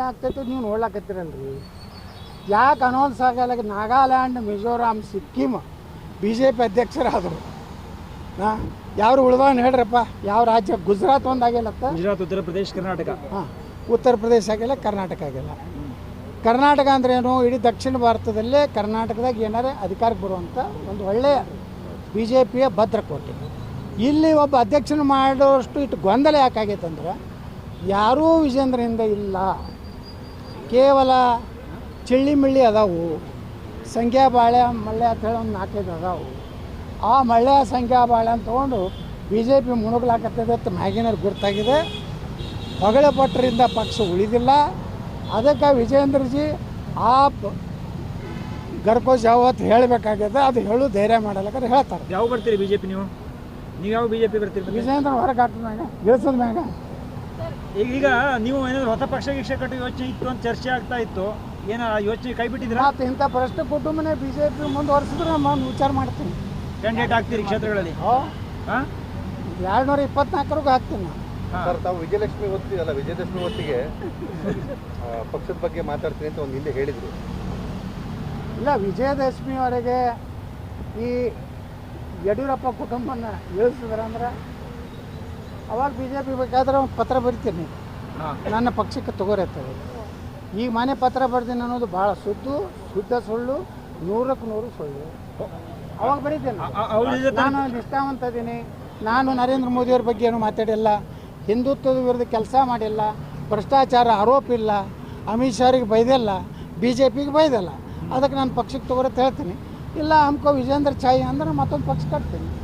ಆಗ್ತೈತೆ ನೀವು ನೋಡ್ಲಾಕತ್ತೀರಲ್ರಿ. ಯಾಕೆ ಅನೌನ್ಸ್ ಆಗಲ್ಲ? Nagaland, Mizoram, Sikkim B J P ಅಧ್ಯಕ್ಷರಾದರು. ಯಾರು ಉಳ್ದಾನ ಹೇಳ್ರಪ್ಪ? ಯಾವ ರಾಜ್ಯ? ಗುಜರಾತ್ ಒಂದು ಆಗಿಲ್ಲತ್ತ, ಗುಜರಾತ್, ಉತ್ತರ ಪ್ರದೇಶ, ಕರ್ನಾಟಕ. ಉತ್ತರ ಪ್ರದೇಶ ಆಗಿಲ್ಲ, ಕರ್ನಾಟಕ ಆಗಿಲ್ಲ. ಕರ್ನಾಟಕ ಅಂದ್ರೇನು? ಇಡೀ ದಕ್ಷಿಣ ಭಾರತದಲ್ಲೇ ಕರ್ನಾಟಕದಾಗ ಏನಾರೇ ಅಧಿಕಾರಕ್ಕೆ ಬರುವಂಥ ಒಂದು ಒಳ್ಳೆಯ ಬಿ ಜೆ ಪಿಯ ಭದ್ರಕೋಟೆ. ಇಲ್ಲಿ ಒಬ್ಬ ಅಧ್ಯಕ್ಷನ ಮಾಡೋಷ್ಟು ಇಟ್ಟು ಗೊಂದಲ ಯಾಕಾಗೈತಂದ್ರೆ ಯಾರೂ ವಿಜೇಂದ್ರನಿಂದ ಇಲ್ಲ. ಕೇವಲ ಚಿಳ್ಳಿ ಅದಾವು, ಸಂಖ್ಯಾಬಾಳೆ, ಮಳ್ಳೆ ಅಂತ ಹೇಳಿ ಒಂದು 4-5 ಅದಾವು. ಆ ಮಳ್ಳೆ ಸಂಖ್ಯಾಬಾಳೆ ಅಂತ ತೊಗೊಂಡು ಬಿ ಜೆ ಪಿ ಮುಣುಗ್ಲಾಕತ್ತದೆ ಅಂತ ಮ್ಯಾಗಿನವ್ರು ಗುರ್ತಾಗಿದೆ. ಹೊಗಳ ಪಟ್ಟರಿಂದ ಪಕ್ಷ ಉಳಿದಿಲ್ಲ. ಅದಕ್ಕೆ ವಿಜೇಂದ್ರಜಿ ಆ ಗರ್ಕೋ ಜಾವತ್ ಹೇಳಬೇಕಾಗ್ಯದ. ಅದು ಹೇಳು ಧೈರ್ಯ ಮಾಡಲ್ಲಕ್ಕೆ ಹೇಳ್ತಾರೆ. ಯಾವ ಬರ್ತೀರಿ ಬಿ ಜೆ ಪಿ? ನೀವು ಯಾವ ಬಿ ಜೆ ಪಿ ಬರ್ತೀರಿ? ವಿಜೇಂದ್ರ ಹೊರಗೆ ಹಾಕಿದ ಮ್ಯಾಗ, ಇಳಿಸೋದ ಮ್ಯಾಗ. ಈಗ ನೀವು ಏನಾದ್ರು ಹೊಸ ಪಕ್ಷ ಕಟ್ಟೋ ಯೋಚನೆ ಇತ್ತು ಅಂತ ಚರ್ಚೆ ಆಗ್ತಾ ಇತ್ತು, ಏನೋ ಯೋಚನೆ ಕೈ ಬಿಟ್ಟಿದ್ದೀರಾ? ಮತ್ತು ಇಂಥ ಭ್ರಷ್ಟ ಕುಟುಂಬನೇ ಬಿ ಜೆ ಪಿ ಮುಂದುವರೆಸಿದ್ರೆ ನಾನು ವಿಚಾರ ಮಾಡ್ತೀನಿ. ಕ್ಯಾಂಡಿಡೇಟ್ ಆಗ್ತೀರಿ ಕ್ಷೇತ್ರಗಳಲ್ಲಿ? 224 ಹಾಕ್ತೀನಿ ನಾನು. ಸರ್, ತಾವು ವಿಜಯಲಕ್ಷ್ಮಿ ಹೊತ್ತಿಗೆ ವಿಜಯದಶಮಿ ಹೊತ್ತಿಗೆ ಪಕ್ಷದ ಬಗ್ಗೆ ಮಾತಾಡ್ತೀನಿ ಅಂತ ಒಂದು ಹಿಂದೆ ಹೇಳಿದರು. ಇಲ್ಲ, ವಿಜಯದಶಮಿವರೆಗೆ ಈ ಯಡಿಯೂರಪ್ಪ ಕುಟುಂಬನ ಇಳಿಸಿದ್ರೆ ಅಂದ್ರೆ ಅವಾಗ ಬಿ ಜೆ ಪಿ ಬೇಕಾದ್ರೆ ಒಂದು ಪತ್ರ ಬರಿತೀನಿ, ನನ್ನ ಪಕ್ಷಕ್ಕೆ ತಗೋರಿರ್ತದೆ. ಈಗ ಮನೆ ಪತ್ರ ಬರ್ತೀನಿ ಅನ್ನೋದು ಭಾಳ ಶುದ್ಧ ಸುಳ್ಳು, 100ಕ್ಕೆ 100 ಸುಳ್ಳು. ಅವಾಗ ಬರೀತೀನಿ. ನಾನು ನಿಷ್ಠಾವಂತ ಇದ್ದೀನಿ. ನಾನು ನರೇಂದ್ರ ಮೋದಿಯವ್ರ ಬಗ್ಗೆ ಏನು ಮಾತಾಡಿಲ್ಲ, ಹಿಂದುತ್ವದ ವಿರುದ್ಧ ಕೆಲಸ ಮಾಡಿಲ್ಲ, ಭ್ರಷ್ಟಾಚಾರ ಆರೋಪ ಇಲ್ಲ, ಅಮಿತ್ ಶಾರಿಗೆ ಬೈದಿಲ್ಲ, ಬಿ ಜೆ ಪಿಗೆ ಬೈದಿಲ್ಲ. ಅದಕ್ಕೆ ನಾನು ಪಕ್ಷಕ್ಕೆ ತಗೋರತ್ತೆ ಹೇಳ್ತೀನಿ. ಇಲ್ಲ ಹಮ್ಕೋ ವಿಜೇಂದ್ರ ಚಾಯಿ ಅಂದ್ರೆ ಮತ್ತೊಂದು ಪಕ್ಷ ಕಟ್ತೀನಿ.